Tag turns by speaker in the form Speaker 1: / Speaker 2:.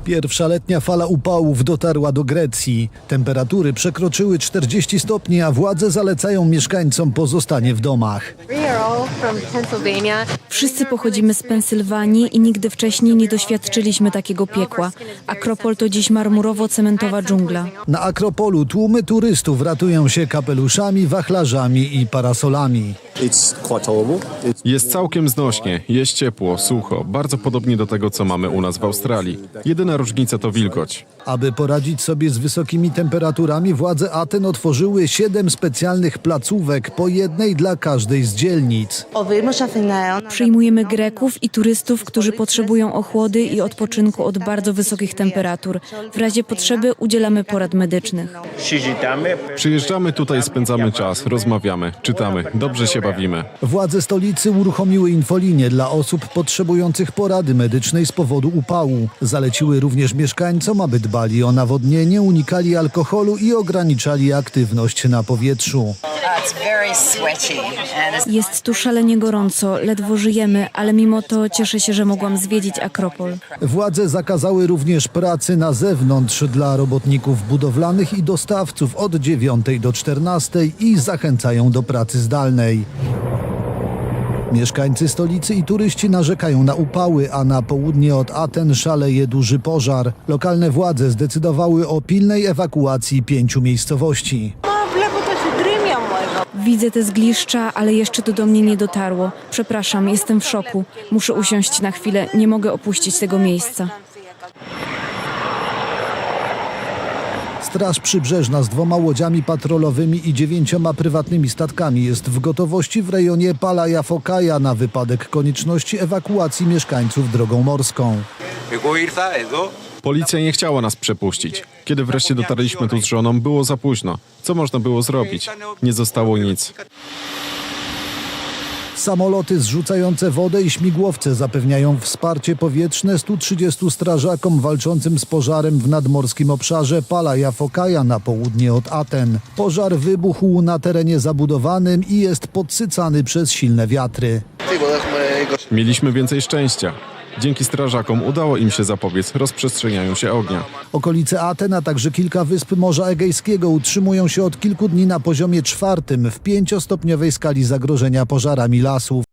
Speaker 1: Pierwsza letnia fala upałów dotarła do Grecji. Temperatury przekroczyły 40 stopni, a władze zalecają mieszkańcom pozostanie w domach.
Speaker 2: Wszyscy pochodzimy z Pensylwanii i nigdy wcześniej nie doświadczyliśmy takiego piekła. Akropol to dziś marmurowo-cementowa dżungla.
Speaker 1: Na Akropolu tłumy turystów ratują się kapeluszami, wachlarzami i parasolami.
Speaker 3: Jest całkiem znośnie, jest ciepło, sucho, bardzo podobnie do tego, co mamy u nas w Australii. Jedyna różnica to wilgoć.
Speaker 1: Aby poradzić sobie z wysokimi temperaturami, władze Aten otworzyły 7 specjalnych placówek, po jednej dla każdej z dzielnic.
Speaker 2: Przyjmujemy Greków i turystów, którzy potrzebują ochłody i odpoczynku od bardzo wysokich temperatur. W razie potrzeby udzielamy porad medycznych.
Speaker 3: Przyjeżdżamy tutaj, spędzamy czas, rozmawiamy, czytamy, dobrze się bawimy.
Speaker 1: Władze stolicy uruchomiły infolinię dla osób potrzebujących porady medycznej z powodu upału. Zaleciły również mieszkańcom, aby dbali o nawodnienie, unikali alkoholu i ograniczali aktywność na powietrzu.
Speaker 2: Jest tu szalenie gorąco, ledwo żyjemy, ale mimo to cieszę się, że mogłam zwiedzić Akropol.
Speaker 1: Władze zakazały również pracy na zewnątrz dla robotników budowlanych i dostawców od 9 do 14 i zachęcają do pracy zdalnej. Mieszkańcy stolicy i turyści narzekają na upały, a na południe od Aten szaleje duży pożar. Lokalne władze zdecydowały o pilnej ewakuacji 5 miejscowości.
Speaker 2: Widzę te zgliszcza, ale jeszcze to do mnie nie dotarło. Przepraszam, jestem w szoku. Muszę usiąść na chwilę, nie mogę opuścić tego miejsca.
Speaker 1: Straż Przybrzeżna z 2 łodziami patrolowymi i 9 prywatnymi statkami jest w gotowości w rejonie Palaia Fokaia na wypadek konieczności ewakuacji mieszkańców drogą morską.
Speaker 3: Policja nie chciała nas przepuścić. Kiedy wreszcie dotarliśmy tu z żoną, było za późno. Co można było zrobić? Nie zostało nic.
Speaker 1: Samoloty zrzucające wodę i śmigłowce zapewniają wsparcie powietrzne 130 strażakom walczącym z pożarem w nadmorskim obszarze Palaia Fokaia na południe od Aten. Pożar wybuchł na terenie zabudowanym i jest podsycany przez silne wiatry.
Speaker 3: Mieliśmy więcej szczęścia. Dzięki strażakom udało im się zapobiec rozprzestrzenianiu się ognia.
Speaker 1: Okolice Aten, a także kilka wysp Morza Egejskiego utrzymują się od kilku dni na poziomie 4 w 5-stopniowej skali zagrożenia pożarami lasów.